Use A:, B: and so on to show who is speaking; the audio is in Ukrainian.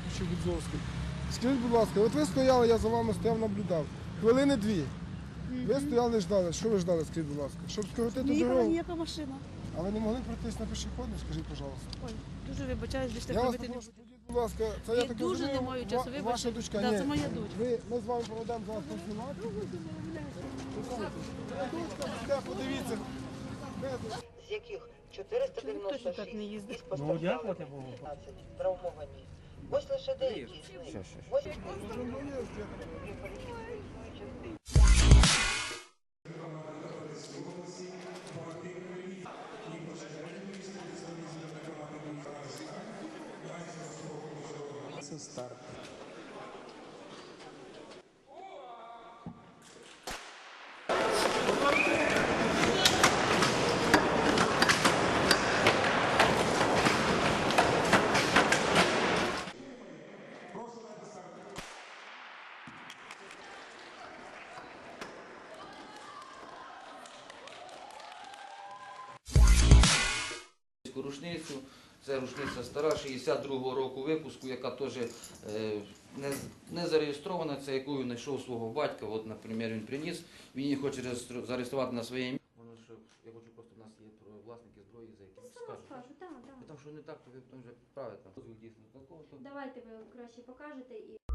A: чи Гудзовський. Скажіть, будь ласка, от ви стояли, я за вами стояв, наблюдав. Хвилини 2. Ви стояли, ждали. Що ви ждали, скажіть, будь ласка? Щоб скоротити
B: Не їхала
A: дорогу.
B: ніяка машина.
A: А ви не могли пройтись на пішохідний, скажіть, будь ласка.
B: Ой, дуже вибачаюсь, більше
A: Я
B: так
A: вас
B: робити не
A: попрошу,
B: буду.
A: будь ласка, це я
B: Я
A: так
B: дуже
A: розумію,
B: не маю часу, вибачте.
A: ваша дочка,
B: Да,
A: ні.
B: це моя дочка.
A: Ми з вами проведемо зараз консультацію. Дочка, де, подивіться. Де тут?
C: З яких
B: Чоловік точно так не
C: 496
B: їздить.
C: із постраждалими 15 травмовані. Ось лише деякі з них. Ось
A: Це старт.
D: Рушницю. Це рушниця стара, 62-го року випуску, яка теж не зареєстрована, це якою знайшов свого батька. От, наприклад, він приніс, він її хоче зареєструвати на своє ім'я. Воно що, я хочу просто, у нас є власники зброї, за якими скажуть.
E: Так.
D: Там що не так, то ви потім вже правите. Дійсно такого.
E: Давайте ви краще покажете і